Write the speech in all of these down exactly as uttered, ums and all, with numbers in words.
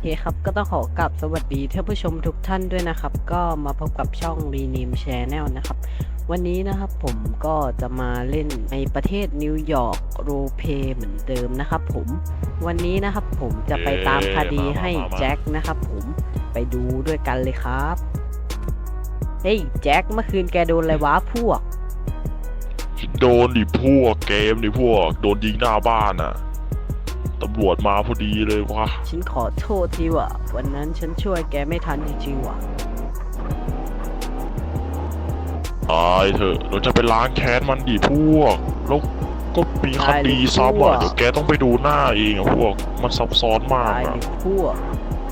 เคครับก็ต้องขอกราบสวัสดีท่านผู้ชมทุกท่านด้วยนะครับ ก็มาพบกับช่อง Rename Channel นะครับ วันนี้นะครับผมก็จะมาเล่นในประเทศนิวยอร์กโรลเพลย์เหมือนเดิมนะครับผมวันนี้นะครับผมจะไปตามคดีให้แจ็คนะครับผมไปดูด้วยกันเลยครับเฮ้ยแจ็คเมื่อคืนแกโดนอะไรวะพวกโดนดิพวกเกมดิพวกโดนยิงหน้าบ้านอ่ะตำรวจมาพอดีเลยวะฉันขอโทษทีว่ะวันนั้นฉันช่วยแกไม่ทันจริงๆว่ะตายเถอะเราจะไปล้างแค้นมันดิพวกแล้วก็มีคดีซ้ำอ่ะเดี๋ยวแกต้องไปดูหน้าเองอ่ะพวกมันซับซ้อนมากตายอ่ะดิพวก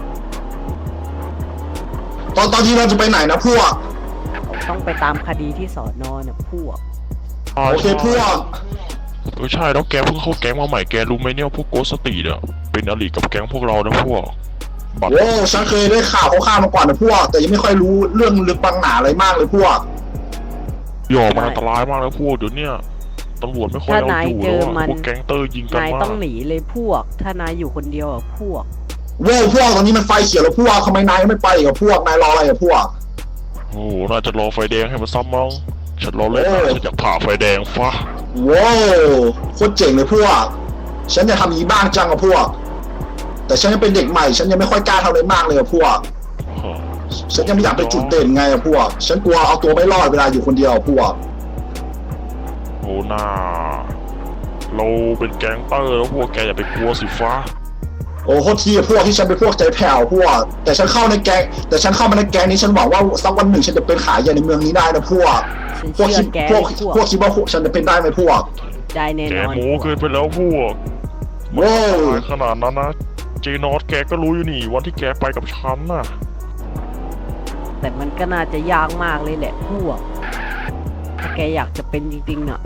ตอนตอนที่เราจะไปไหนนะพวกต้องไปตามคดีที่สอนอเนี่ยพวกโอเคพวกเออใช่แล้วแกเพิ่งเข้าแก๊งมาใหม่แกรู้ไหมเนี่ยพวกโกสตีเนี่ยเป็นอริกับแก๊งพวกเรานะพวกบัตรโอ้ฉันเคยได้ข่าวเขาข้ามมาก่อนนะพวก แต่ยังไม่ค่อยรู้เรื่องลึกบางหนาอะไรมากเลยพวกหยอกมันอันตรายมากนะพวกเดี๋ยวเนี้ยตำรวจไม่ค่อยถ้าเอานายอยู่เจแล้วออะมันพวกแก๊งเตอร์ยิงกันนายมาต้องกหนีเลยพวก ถ้านายอยู่คนเดียวอ่ะพวกโว้พวกตอนนี้มันไฟเขียวแล้วพวกทำไมนายไม่ไปกับพวกนายรออะไรกับพวกโอ้โหน่าจะรอไฟแดงให้มันซ้ำมั้งฉันรอเล่นนะโอ้ฉันอยากผ่าไฟแดงฟ้าว้าวโคตรเจ๋งเลยพวก ฉันจะทำอย่างนี้บ้างจังกับพวก แต่ฉันยังเป็นเด็กใหม่ฉันยังไม่ค่อยกล้าทำอะไรมากเลยกับพวก ฉันยังไม่อยากไปนจุดเด่นไงอะพวก ฉันกลัวเอาตัวไม่รอดเวลาอยู่คนเดียวอะพวกโอ้หน้าเราเป็นแก๊งเตอร์แล้วพวกแกอย่าไปกลัวสิฟ้าโอ้โคตรทีอะพวกที่ฉันเป็นพวกใจแผ่วพวก แต่ฉันเข้าในแก๊งแต่ฉันเข้ามาในแก๊งนี้ฉันหวังว่าสักวันหนึ่งฉันจะเป็นขายใหญ่ในเมืองนี้ได้นะพวกฉันพวกเชื่อคิดแกพวกพวกพวกคิดว่าพวกฉันจะเป็นได้ไหมพวกได้แน่แกนอนโม้เกินไปแล้วพวกว้าวตายขนาดนั้นนะเจนอสแกก็รู้อยู่นี่วันที่แกไปกับฉันน่ะแต่มันก็น่าจะยากมากเลยแหละพวก ถ้าแกอยากจะเป็นจริงๆอ่ะ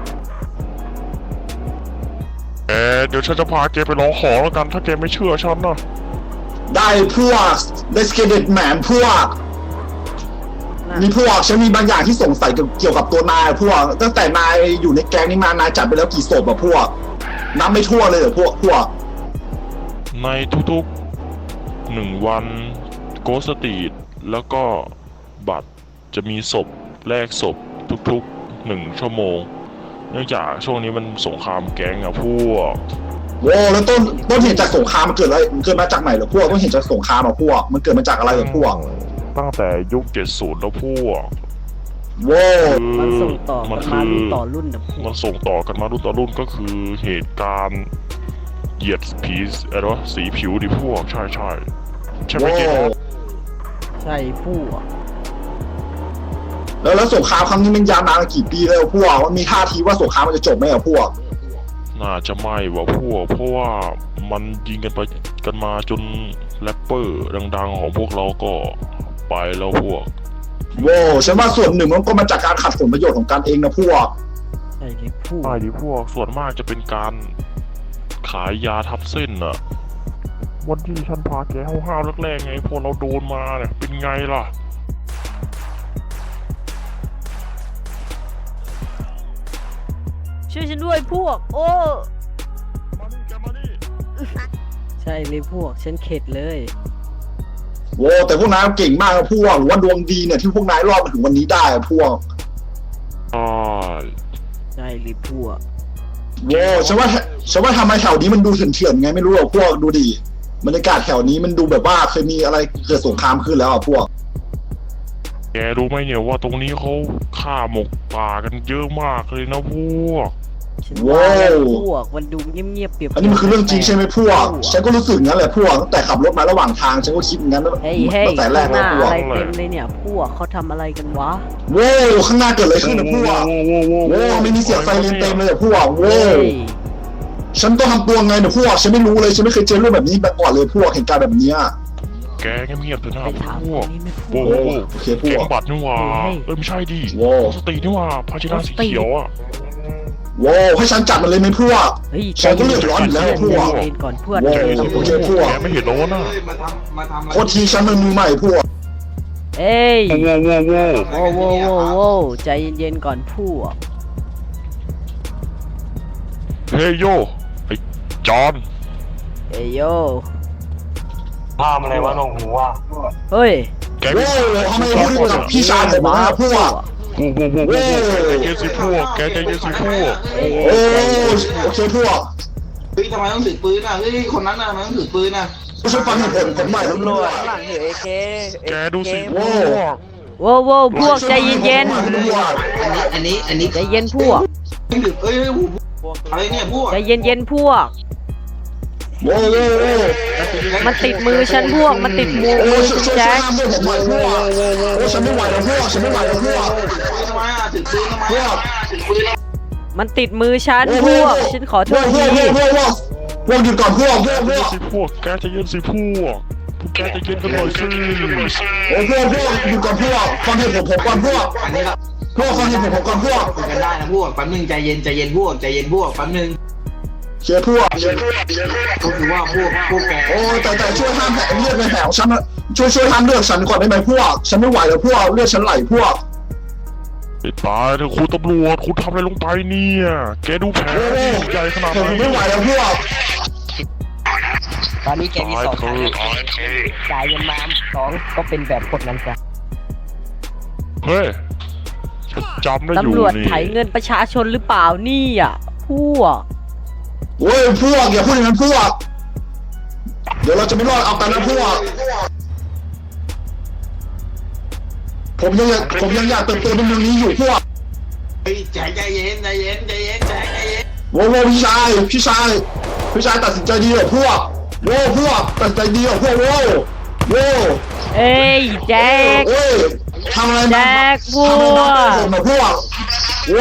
แกเดี๋ยวฉันจะพาแกไปร้องขอแล้วกันถ้าแกไม่เชื่อฉันนะได้พวกได้สเกเดตแมนพวกน่ะนี่พวกฉันมีบางอย่างที่สงสัยเกี่ยวกับตัวนายพวก ตั้งแต่นายอยู่ในแก๊งนี้มานายจัดไปแล้วกี่ศพอะพวกนับไม่ทั่วเลยเหรอพวกพวกในทุกๆหนึ่งวันโกสตีดแล้วก็บัตรจะมีศพแลกศพทุกๆหนึ่งชั่วโมง เนื่องจากช่วงนี้มันสงครามแก๊งอะพวกโว้แล้วต้นต้นเหตุจากสงครามมันเกิดอะไรมันเกิดมาจากไหนเหรอพวกต้นเหตุจากสงครามอะพวก มันเกิดมาจากอะไรเหรอพวกตั้งแต่ยุคเจ็ดสิบแล้วพวกโว้มันส่งต่อมักันคืมาอรุ่นต่อรุ่นนะพวมักนส่งต่อกันมารุ่นต่อรุ่นก็คือเหตุการณ์เหยียดผีอะไรวะสีผิวดิพวกใช่ใช่ใช่ไหมโว้เจ๊นะใช่พวกแล้วแล้วสงครามครั้งนี้มันยาวนานกี่ปีแล้วพวกมันมีท่าทีว่าสงครามมันจะจบไหมอะพวกน่าจะไม่วะพวก เพราะว่ามันยิงกันไปกันมาจนแรปเปอร์ดังๆของพวกเราก็ไปแล้วพวกโว้ฉันว่าส่วนหนึ่งมันก็มาจากการขัดผลประโยชน์ของกันเองนะพวกใช่เลยพวกใช่ดิพวกส่วนมากจะเป็นการขายยาทับเส้นอะวันที่ฉันพาแกห้าวๆแรกๆไงพอเราโดนมาเนี่ยเป็นไงล่ะช่วยฉันด้วยพวก โอ้มานี่แกมานี่ใช่เลยพวก ฉันเข็ดเลยโว้แต่พวกนายเก่งมากนะพวกหรือว่าดวงดีเนี่ยที่พวกนายรอดมาถึงวันนี้ได้อะพวกใช่ใช่เลยพวกโว้ฉันว่าฉันว่าทำไมแถวนี้มันดูเถื่อนๆไงไม่รู้หรอกพวกดูดิบรรยากาศแถวนี้มันดูแบบว่าเคยมีอะไรเกิดสงครามขึ้นแล้วอะพวกแกรู้ไหมเนี่ยว่าตรงนี้เขาฆ่าหมกป่ากันเยอะมากเลยนะพวกฉันว่าว้าวแล้วพวก มันดูเงียบๆเปรียบๆอันนี้มันคือเรื่องจริงใช่ไหมพวก ฉันก็รู้สึกงั้นแหละพวกตั้งแต่ขับรถมาระหว่างทางฉันก็คิดอย่างนั้นเฮ้ยเฮ้ยตั้งแต่แรกหแล้วน้าพวกอะไรเต็มเลยเนี่ย พวกเขาทำอะไรกันวะโว้ข้างหน้าเกิดอะไรขึ้นนะพวกโว้ไม่มีเสียงไซเรนเต็มเลยอะพวกโว้เฮ้ยฉันต้องทำตัวไงเนี่ยพวกฉันไม่รู้เลยฉันไม่เคยเจอเรื่องแบบนี้มาก่อนเลยพวกเหตุการณ์แบบเนี้ยแกเงียบๆเถอะนะไปถามพควกนนี้ไม่พโว้วโว้กโว้โอเคพแกวกงบัตรนี่หว่าเฮ้ยเอ้ยไม่ใช่ดิโว้สตินี่หว่าภาชนะสีเขียวอ่ะโว้ให้ฉันจัดมันเลยไหมพวกเฮ้ยฉันก็เลือดร้อนอยู่แล้วพวกใจเย็นก่อนเพื่อนโว้แกโอเคพวกแกไม่เห็นแล้ววะน่ะเฮ้ยมาทำมาทำอะไรโคตรทีฉันมันมือใหม่พวกเอ้ยโว้โว้โว้โว้โว้โว้โว้ใจเย็นๆก่อนพวกเฮ้ยโยไอ้จอนเอ้ยโยทำอะไรวะหนงหูอ่ะเฮ้ยแกโว้ยทำไมพูดกับพี่ชายผมนะพวกโอ้โหโอ้โหแกใจเย็นสิพวกแกใจเย็นสิพวกโอ้โอเคพวกเฮ้ยทำไมต้องถือปืนอ่ะเฮ้ยคนนั้นน่ะทำไมต้องถือปืนอ่ะช่วยฟังเหตุผลผมหน่อยตำรวจหลังถือเอเคแกดูสิพโว้วกโว้วโว้วพวกใจเย็นอันนี้อันนี้อันนี้ๆใจเย็นพวกถือเอ้ยอะไรเนี่ยพวกใจเย็นๆพวกโว้โว้โว้มันติดมือฉันพวก มันติดมือโอ้มือช่วยคุณช่วยแจ็คห้ามด้วยผมหน่อยพวกโอ้ฉันไม่ไหวแล้วพวกฉันไม่ไหวแล้วพวกทำไมอ่ะถือปืนทำไมอ่ะถือปืนมันติดมือฉันพวก ฉันขอโทษพวทีกพวกพวกพวกหยุดก่อนพวกพวกพวกสิพวกแกใจเย็นสิพวกพวกแกใจเย็นกันหน่อยสิโอ้พวกพวกหยุดก่อนพวกฟังเหตุผลผมก่อนพวกอันนี้เราพวกฟังเหตุผลผมก่อนพวกคุยกันได้นะพวกแป๊บนึงใจเย็นใจเย็นพวกใจเย็นพวกแป๊บนึงเชียร์พวกก็คือว่าพวกพวกแกโอ้แต่แต่ช่วยห้ามเลือดในแผลของฉันช่วยช่วยห้ามเลือดฉันก่อนได้ไหมพวกฉันไม่ไหวแล้วพวกเลือดฉันไหลพวกไอ้ตายเถอะคุณตำรวจคุณทำอะไรลงไปเนี่ยแกดูแผลใหญ่ขนาดผมนั้นไม่ไหวแล้วพวกตอนนี้แกมีตายสองเถทางอะจ่ายเงินมาสองก็เป็นแบบกดนั้นซะเฮ้ยฉันจำได้อยู่ตำรวจนี่ไถเงินประชาชนหรือเปล่านี่อ่ะพวกโอ้ยพวกอย่าพูดอย่างนั้นพวกเดี๋ยวเราจะไม่รอดเอากันนะพวกผมยังอยากผมยังอยากเติบโตในเมืองนี้อยู่พวกเฮ้ยใจใจเย็นใจเย็นใจเย็นใจเย็นโว้โว้พี่ชายพี่ชายพี่ชายตัดสินใจดีเหรอพวกโว้พวกตัดสินใจดีเหรอพวกโว้โว้เอ้ยแจ็คเอ้ยทำอะไรแจ็มาคพวทำอะไรมาก ผมมาพวกโว้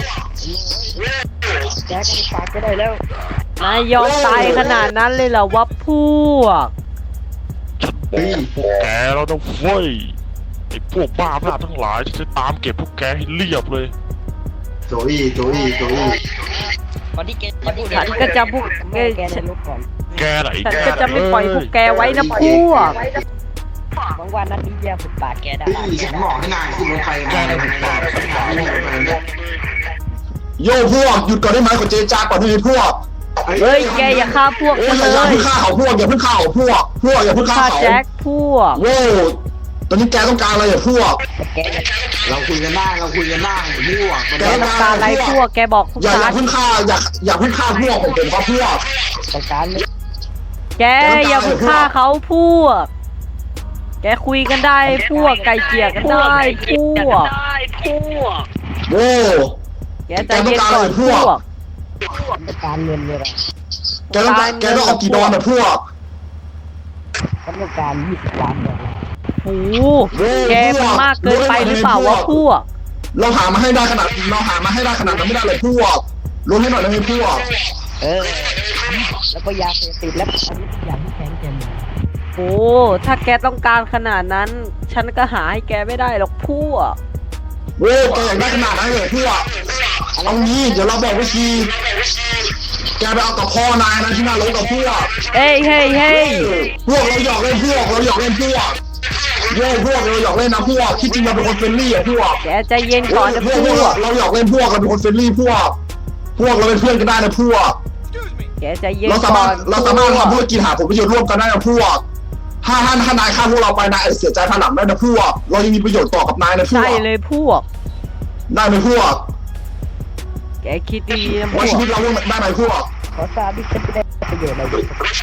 แจ็คฝากก็ได้แล้วนายยอมตายขนาดนั้นเลยเหรอวะพวกฉันบอกพวกแกแล้วนะเว้ยไอ้พวกบ้าพลาดทั้งหลายฉันจะตามเก็บพวกแกให้เรียบเลยโจอี้โจอี้โจอี้ตอนที่แกฉันก็จะพวกแกแกในรถก่อนแกไหนฉันแกก็จะไม่ปล่อยพวกแกไว้นะพวกบางวันนั้นนี้แย่ฝึกปากแกได้เฮ้ยฉันบอกให้นายขึ้นรถไฟมาเลยนายขึ้นรถไฟมาโย่พวกหยุดก่อนได้ไหมขอเจรจาก่อนได้ไหมพวกเฮ้ยแกอย่าฆ่าพวกโอ้ฉัยนอย่าเลอย่าย เพิ่งฆ่าเขาพวกอย่าเพิ่งฆ่าเขาพวกพวกอย่าเพิ่งฆ่าฆ่าเขาแจ็คพวกโว้ตอนนี้แกต้องการอะไรอ่ะพวกแกจะเราคุยกันได้เราคุยกันได้พวกแกต้องการอะไรพวก แกบอกพวกอย่าอย่าฉันเพิ่งฆ่าอย่าอย่าเพิ่งฆ่าพวกผมผมครับพวกต้องการเลยแกอย่าเพิ่งฆ่าเขาพวก แกคุยกันได้พวก ไก่เกลี่ยกันได้พวกโว้แกใจเย็นก่อนพวกต้องการเงินเลยนะแกต้องการแกต้องเอากี่ดอนอ่ะพวกต้องการยี่สิบล้านดอลลาร์โอ้โหแกมันมากเกินไปหรือเปล่าวะพวกเราหามาให้ได้ขนาดเราหามาให้ได้ขนาดนั้นไม่ได้เลยพวกลดให้หน่อยได้ไหมพวกเออแล้วก็ยาเสพติดและอันนี้ทุกอย่างที่แข็งแกร่งโอ้ ถ้าแกต้องการขนาดนั้น ฉันก็หาให้แกไม่ได้หรอกพวกโว้แกอยากได้ขนาดนั้นเลยพวกเอางี้เดี๋ยวเราบอกวิธีแกไปเอากับพ่อนายนะที่หน้ารถกับพวกเฮ้ยเฮ้ยเฮ้ยพวกเราหยอกเล่นพวกเราหยอกเล่นพวกโว้พวกเราหยอกเล่นนะพวกที่จริงเราเป็นคนเฟรนลี่อะพวกแกใจเย็นก่อนนะพพวกพววกกเราหยอกเล่นพวกเราเป็นคนเฟรนลี่พวก พวกเราเป็นเพื่อนกันได้นะพวกแกใจเย็นเราสาก่มาอรถนเราสามารถทำธุรกิจหาผลประโยชน์ร่วมกันได้นะพวกถ้าท่านถ้านายฆ่าพวกเราไปนายอาจจะเสียใจภายหลังได้นะพวก เรายังมีประโยชน์ต่อกับนายนะพวใช่กเลยพวกได้ไหมพวกแกคิดดีนะพไว้วชีกวิตเราได้ไหมพวกขอทราบที่จะได้ประโยชน์อะไร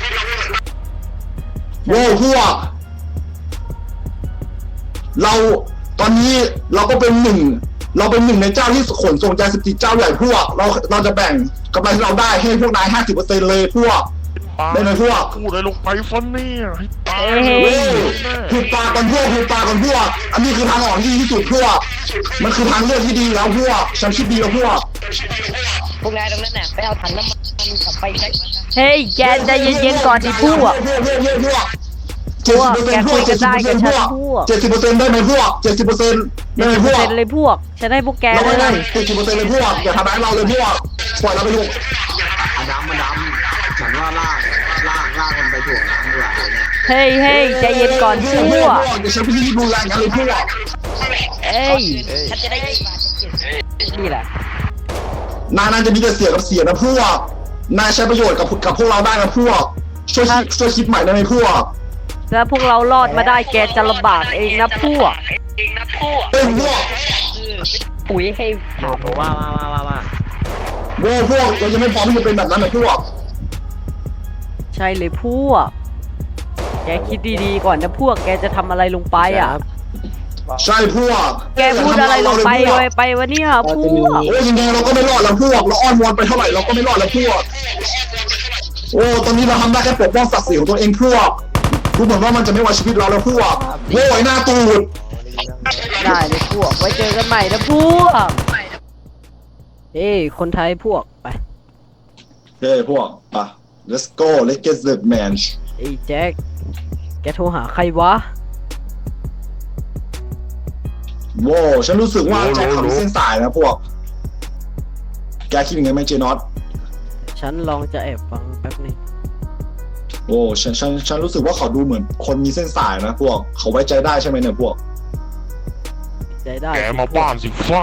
โว้พวก เราตอนนี้เราก็เป็นหนึ่ง เราเป็นหนึ่งในเจ้าที่ขนส่งยาเสพติดเจ้าใหญ่พวก เราเราจะแบ่งกำไรที่เราได้ให้พวกนายห้าสิบเปอร์เซ็นต์เลยพวก ได้ไหมพวกพูดอะไรลงไปฟันเนี่ยให้ตายเฮ้เว้ยยถูกปากกันพวกถูกปากกันพวก อันนี้คือทางออกที่ดีที่สุดพวก มันคือทางเลือกที่ดีแล้วพวก ฉันคิดดีแล้วพวกพวกนายตรงนั้นน่ะไปเอาถังน้ำมันกลับไปใช้มันนะเฮ้ยแกใจเย็นๆก่อนดิพวกพวกพวกพวกพวกเจ็ดสิบเปอร์เซ็นต์พวกแกคุยกันได้กับฉันพวกเจ็ดสิบเปอร์เซ็นต์ได้ไหมพวกเจ็ดสิบเปอร์เซ็นต์ได้ไหมพวกเซ็นเลยพวก ฉันให้พวกแกเราเลไม่ได้ยเจ็ดสิบเปอร์เซ็นต์เลยพวก อย่าทำร้ายเราเลยพวก ปล่อยเราไปถูกอดัมอดัมฉันว่าลากลากลากมันไปถ่วงน้ำดีกว่าเนี่ยเฮ้ยเฮ้ยใจเย็นก่อนพวกเดี๋ยวฉันไปที่ดูแลกันเลยพวกเอ้ยฉันจะได้ยี่สิบบาทนี่แหละนายน่าจะมีแต่เสียกับเสียนะพวก นายใช้ประโยชน์กับกับพวกเราได้นะพวก ช่วยคิดช่วยคิดใหม่ได้ไหมพวกถ้าพวกเรารอดมาได้แกจะลำบากเองนะพวกเป็นพวกปุ๋ยให้ถามว่าว่าว่าว่าว่าโว้พวกเรายังไม่พร้อมที่จะเป็นแบบนั้นนะพวกใช่เลยพวก แกคิดดีๆก่อนนะพวก แกจะทำอะไรลงไปอ่ะใช่พวกแกพูดอะไรลงไปเลยไปวะเนี่ยพวกโอ้ยยังไงเราก็ไม่รอดแล้วพวกเราอ้อนวอนไปเท่าไหร่เราก็ไม่รอดแล้วพวกโอ้ตอนนี้เราทำได้แค่ปกป้องศักดิ์ศรีของตัวเองพวกดูเหมือนว่ามันจะไม่ไว้ชีวิตเราแล้วพวกโว้ยหน้าตูดได้เลยพวก ไว้เจอกันใหม่นะพวก เอ้ยคนไทยพวกไปเฮ้ยพวกอ่ะ let's go let's get the man ไอ้แจ็ค แกโทรหาใครวะโว้ฉันรู้สึกว่าแจ็คทำเส้นสายนะพวกแกคิดยังไงไหมเจนอตฉันลองจะแอบฟังแป๊บนึงโอ้ฉันฉันฉันรู้สึกว่าเขาดูเหมือนคนมีเส้นสายนะพวกเขาไว้ใจได้ใช่ไหมเนี่ยพวกใจได้แกมาบ้านสิฟ้า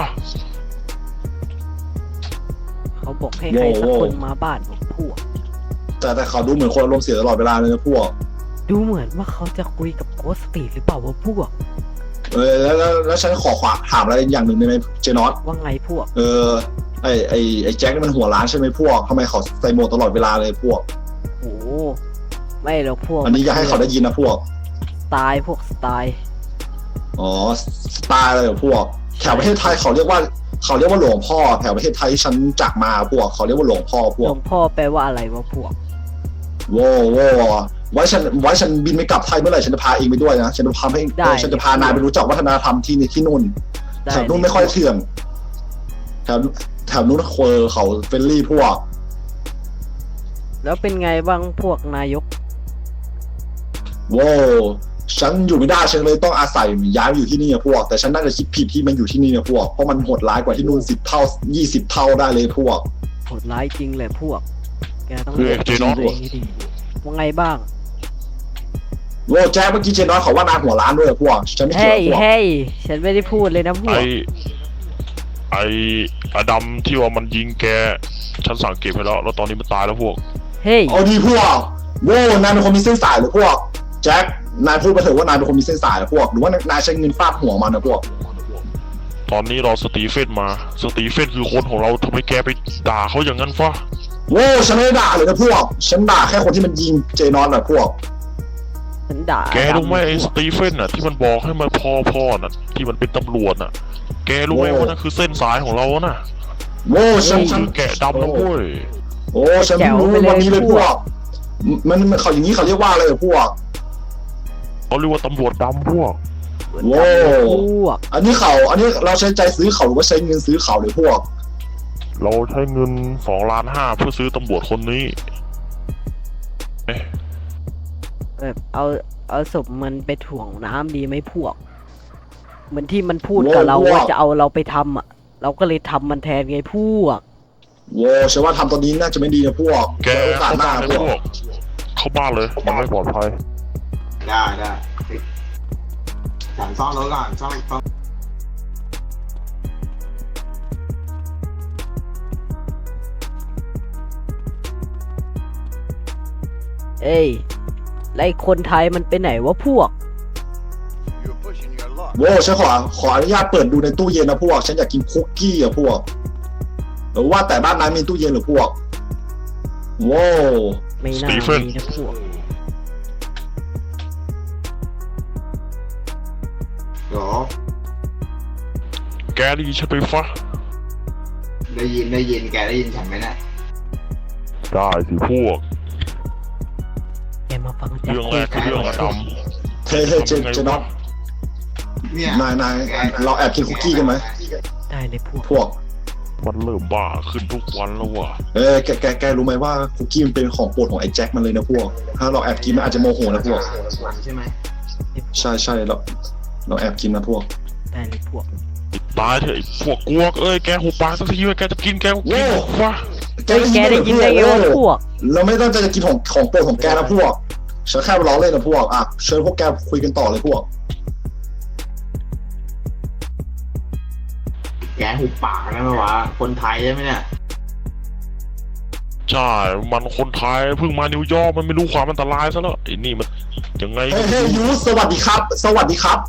เขาบอกให้ใครสักคนมาบ้านของพวกแต่แต่เขาดูเหมือนคนอารมณ์เสียตลอดเวลาเลยนะพวกดูเหมือนว่าเขาจะคุยกับโกสตีหรือเปล่าวะพวกเออแล้วแล้วแล้วฉันขอขวาถามอะไรอย่างหนึ่งได้ไหมเจนอตว่าไงพวกเออไอไอไอแจ็คนี่มันหัวร้านใช่ไหมพวกทำไมเขาใส่โหมดตลอดเวลาเลยพวกโอ้ไม่หรอกพวกอันนี้อยากให้เขาได้ยินนะพวกสไตล์พวกสไตล์อ๋อสไตล์อะไรเหรอพวกแถวประเทศไทยเขาเรียกว่าเขาเรียกว่าหลวงพ่อแถวประเทศไทยที่ฉันจากมาพวกเขาเรียกว่าหลวงพ่อพหลวกวงพ่อแปลว่าอะไรวะพวกโว้โว้ไว้ฉันไว้ฉันบินไปกลับไทยเมื่อไหร่ฉันจะพาเองไปด้วยนะฉันจะพาให้ได้ฉันจะพานายไปรู้จักวัฒนธรรมที่นี่ที่นู่นได้แถวนู้นไม่ค่อยเถื่อนแถวแถวนู้นเคอเขาเฟรนลี่พวกแล้วเป็นไงบ้างพวกนายกโว้ฉันอยู่ไม่ได้ฉันเลยต้องอาศัยย้ายมาอยู่ที่นี่อะพวก แต่ฉันน่าจะคิดผิดที่มันอยู่ที่นี่นะพวกเพราะมันโหดร้ายกว่าที่นู่นสิบเท่ายี่สิบเท่าได้เลยพวกโหดร้ายจริงเลยพวก แกต้องคือเจนอตตัวเองให้ดีว่าไงบ้างโว้แจ๊คเมื่อกี้เจนน้อยเขาว่านายหัวร้านด้วยอะพวกฉันไม่เกี่ยเฮ้วย พวกเฮ้ยฉันไม่ได้พูดเลยนะพวไอก ไออดัมที่ว่ามันยิงแก ฉันสั่งเก็บไปแล้ว แล้วตอนนี้มันตายแล้วพวกเฮ้ยเอาดีพวกโว้นายเป็นคนมีเส้นสายหรือพวกแจ็คนายพูดไปเถอะว่านายเป็นคนมีเส้นสายหรือพวกหรือว่านายใช้เงินฟาดหัวมันนะพวกตอนนี้รอสตีเฟนมา สตีเฟนคือคนของเราทำไมแกไปด่าเขาอย่างนั้นฟ้าโว้ฉันไม่ได้ด่าเลยนะพวก ฉันด่าแค่คนที่มันยิงเจนอนนะพวกฉันด่าแกรู้ไหมไอ้สตีเฟนน่ะที่มันบอกให้มาพอพอน่ะที่มันเป็นตำรวจน่ะ แกรู้ไหมโอ้ว่านั่นคือเส้นสายของเราน่ะโว้ฉันฉันคือแกะดำนะเว้ยโอ้ฉันไม่รู้วันนี้เลยพวก มันมันเขาอย่างนี้เขาเรียกว่าอะไรอะพวกเขาเรียกว่าตำรวจดำพวกโว้พวกอันนี้เขา อันนี้เราใช้ใจซื้อเขาหรือว่าใช้เงินซื้อเขาเลยพวกเราใช้เงินสองล้านห้าเพื่อซื้อตำรวจคนนี้เอ๊ะแบบเอาเอาศพมันไปถ่วงน้ำดีไหมพวก เหมือนที่มันพูดโว้กับเราพวกว่าจะเอาเราไปทำอ่ะ เราก็เลยทำมันแทนไงพวกโว้ฉันว่าทำตอนนี้น่าจะไม่ดีนะพวกแกไว้โอกาสเข้าหน้าบ้านเลยพวพวกก เข้าบ้านเลยมันไม่ปลอดภัยได้ได้ฉันซ่อนรถก่อนซ่อนซ่อนเอ้ยแล้วไอ้คนไทยมันไปไหนวะพวกโว้ฉันขอขออนุญาตเปิดดูในตู้เย็นนะพวก ฉันอยากกินคุกกี้อะพวกหรือว่าแต่บ้านนั้นมีตู้เย็นหรือพวก โว้ไม่น่าสตีเฟนมีนะพวกเดี๋ยวแกได้ยินฉันไปฟ้าได้ยินได้ยินแกได้ยินฉันไหมเนี่ยได้สิพวกแกมาฟังแจ็คเรื่องแรกคือเรื่องอดัมเฮ้ยเฮ้ยเจนเจนอตเนี่ยนายนายเราแอบกินคุกกี้กันไหมได้เลยพวกพวกมันเริ่มบ้าขึ้นทุกวันแล้วว่ะเอ้ยแกแกแกรู้ไหมว่าคุกกี้มันเป็นของโปรดของไอ้แจ็คมันเลยนะพวก ถ้าเราแอบกินมันอาจจะโมโหนะพวกมันใช่ไหมใช่ใช่เราเราแอบกินนะพวกได้เลยพวกตายเถอะไอ้พวกกวกเอ้ยแกหุบปากสักทีเว้ยแกจะกินแกก็กินโว้ฟ้าแกได้ยินได้ไงวะพวกเราไม่ต้องจะกินของของโปรดของแกนะพวกฉันแค่ล้อเล่นนะพวกอ่ะเชิญพวกแกคุยกันต่อเลยพวกแกหุบปากนะวะคนไทยใช่ไหมเนี่ยใจใช่ มันคนไทยเพิ่งมานิวยอร์กมันไม่รู้ความอันตรายซะแล้วไอ้นี่มันยังไงเฮ้ยเฮ้ยยูสวัสดีครับ สวัสดีครับ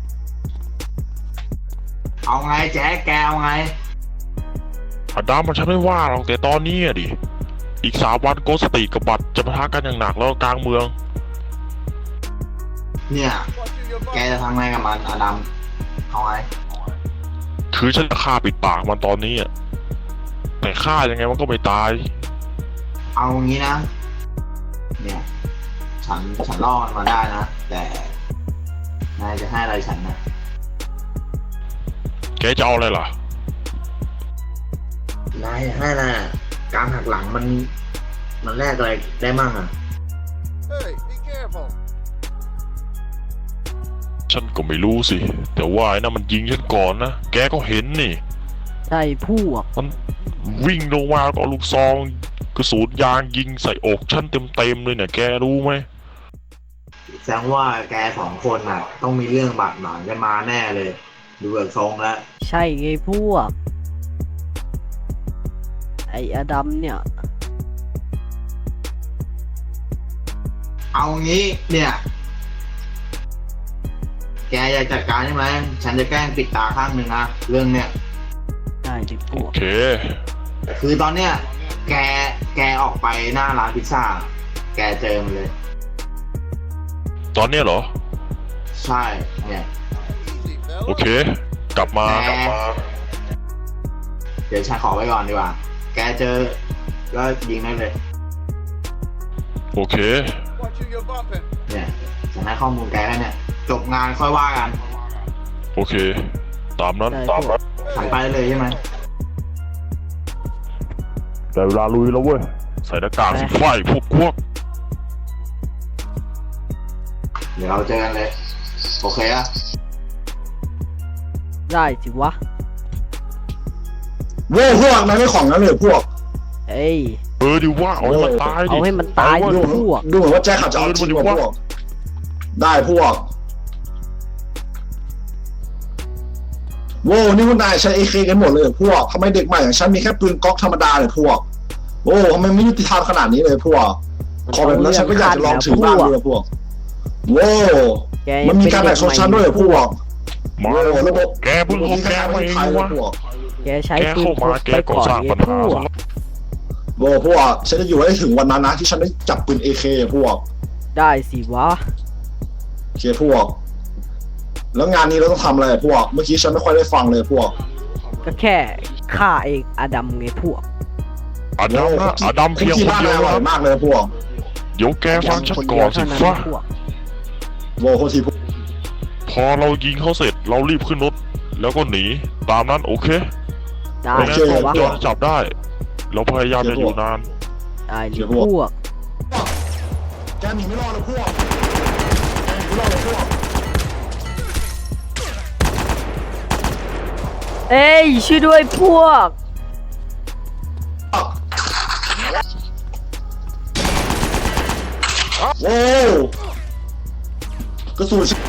เอาไงแจ๊คแกเอาไงอดัมมันฉันไม่ว่าหรอกแต่ตอนนี้อะดิอีกสามวันโกสตีกับบัตรจะปะทะกันอย่างหนักแล้วกลางเมืองเนี่ย แกจะทำไงกับมันอดัมเอาไงคือฉันจะฆ่าปิดปากมันตอนนี้อะแต่ฆ่ายังไงมันก็ไม่ตายเอางี้นะ เนี่ย ฉันฉันรอดมาได้นะ แต่นายจะให้อะไรฉันนะแกจะเอาอะไรล่ะนายให้นะการหักหลังมัน มันแลกอะไรได้มั่งอ่ะ Hey, be careful. ฉันก็ไม่รู้สิ แต่ว่าไอ้นั่นมันยิงฉันก่อนนะ แกก็เห็นนี่ใช่พวกมันวิ่งลงมาแล้วก็เอาลูกซองกระสุนยางยิงใส่อกฉันเต็มๆเลยเนี่ยแกรู้ไหมแสดงว่าแกสองคนน่ะ ต้องมีเรื่องบาดหมางกันมาแน่เลย ดูเบิกทรงแล้วใช่ไงพวก ไออดัมเนี่ยเอางี้เนี่ย แกอยากจัดการใช่ไหม ฉันจะแกล้งปิดตาข้างหนึ่งนะ เรื่องเนี้ยได้ดิพโอวกเคคือตอนเนี้ย แก แกออกไปหน้าร้านพิซซ่า แกเจอมันเลยตอนเนี้ยเหรอใช่ เนี่ย Easy, โอ fella. เค กลับมากลับมาเดี๋ยวฉันขอไว้ก่อนดีกว่า แกเจอก็ยิงได้เลยโอเค Watch who you're bumping. เนี่ยฉันให้ข้อมูลแกแค่เนี่ย จบงานค่อยว่ากันโอเค ตามนั้นได้ตามพวนั้กนฉันไปเลยใช่ไหมแต่เวลาลุยแล้วเว้ย ใส่หน้ากากสิไฟพวกพวกเดี๋ยวเราเจอกันเลย โอเคอะได้สิวะโว้พวกนายไม่ของนั้นเลยพวกเอ้ยเออดิว่าเอาให้มันตายดิเอาให้มันตายเอดิเว้พวกดูเหมือนว่าแจ็คเขาจะเอาจริงว่ะพวก ได้พวก โว้นี่พวกนายใช้เอเคกันหมดเลยเหรอพวกทำไมเด็กใหม่อย่างฉันมีแค่ปืนก๊อกธรรมดาเลยพวก โอ้ทำไมไม่ยุติธรรมขนาดนี้เลยพวก ขอแบบนั้นฉันก็อยากจะลองถือบ้างเลยพวก โว้แกมันมีการแบ่งชนชั้นด้วยเหรอพวกมาโอ้แล้วระบบแกเพิ่งเข้าแกมาเองไทยเลวะยพวกแกใช้แกปืนเข้าพมาก แกไปก็ก่อนสร้างไงปัญพหาวกซะแล้วโว้พวกฉันจะอยู่ให้ถึงวันนั้นนะที่ฉันได้จับปืนเอเคพวกได้สิวะโอเคพวก แล้วงานนี้เราต้องทำอะไรพวก เมื่อกี้ฉันไม่ค่อยได้ฟังเลยพวกก็แค่ฆ่าเองอดัมไงพวกอดัมนะอดัมเพียงที่คนบ้านเดียวอร่อยนะมากเลยพวกเดี๋ยวแกฟังฉันคนก่เดีอวนสิเท่านั้นฟ้านะพวกโว้โคตรทีพวกพอเรายิงเขาเสร็จเรารีบขึ้นรถ แล้วก็หนี ตามนั้นโอเคได้ไม่งั้นสิพวกวะจอนจับได้ เราพยายามจะอยู่นานได้ดิพวกแกหนีไม่รอดเลยพวก แกหนีไม่รอดเลยพวกเอ้ยช่วยด้วยพวกโว้กระสุนฉัน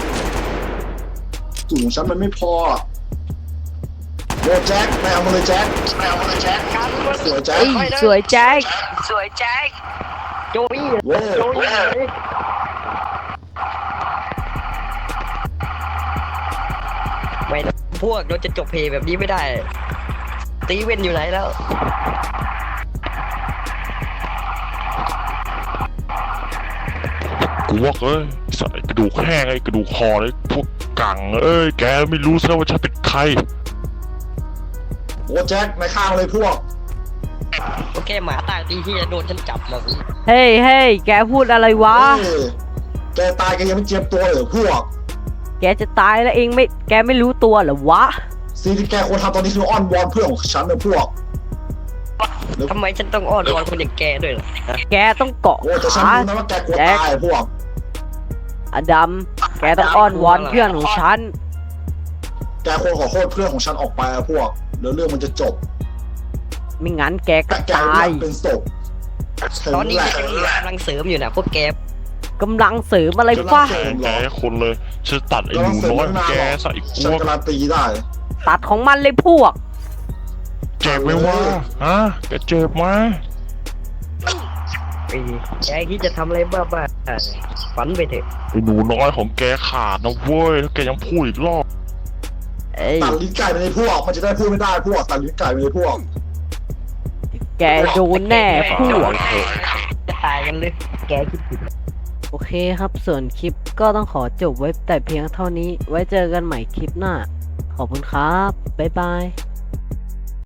กระสุนของฉันมันไม่พอโว้แจ็คนายเอามาเลยแจ็คนายเอามาเลยแจ็คสวยแจ็คเอ้ยสวยแจ็คสวยแจ็คโจยโว้โจยไม่นะพวกเราจะจบเพลงแบบนี้ไม่ได้ ตีเว้นอยู่ไหนแล้วกูว่าเอ้ยใส่กระดูกแห้งไอ้กระดูกคอเลยพวกกังเอ้ยแกไม่รู้ซะว่าฉันเป็นใครโว้แจ็คนายฆ่ามาเลยพวกโอเคหมาตายตีที่จะโดนฉันจับมาเฮ้ยเฮ้ยแกพูดอะไรวะเอ้ยแกตายแกยังไม่เจียมตัวเลยเหรอพวกแกจะตายแล้วเองไม่ แกไม่รู้ตัวเหรอวะสิ่งที่แกควรทำตอนนี้คืออ้อนวอนเพื่อนของฉันนะพวกทำไมฉันต้องอ้อนวอนคนอย่างแกด้วยล่ะแกต้องเกาะโอ้แต่ฉันขารู้นะว่าแกกลัวตายพวกอดัม แกต้องอ้อนวอนเพื่อนของฉันแกควรขอโทษเพื่อนของฉันออกไปอะพวกเดี๋ยวเรื่องมันจะจบไม่งั้นแกก็แต่แกตาอย ยากเป็นศพตอนนี้แหละฉันมีกำลังเสริมอยู่นะพวกแกกำลังเสริมอะไรวะแกแกคนเลยฉันตัดไอ้หนูน้อยของแกใส่พฉันวกการันตีได้ตัดของมันเลยพวกเจ็บไหมวะฮะแกเจ็บไหมไอ้แกคิดจะทำอะไรบ้าๆฝันไปเถอะไอ้หนูน้อยของแกขาดนะเว้ยถ้าแกยังพูดอีกรอบเอ้ยตัดลิ้นไก่ไปในพวก มันจะได้พูดไม่ได้พวกตัดลิ้นไก่ไปในพวกแกโดนแน่พวกจะตายกันเลย แกคิดผิดโอเคครับ ส่วนคลิปก็ต้องขอจบไว้แต่เพียงเท่านี้ ไว้เจอกันใหม่คลิปหน้า ขอบคุณครับ บ๊ายบาย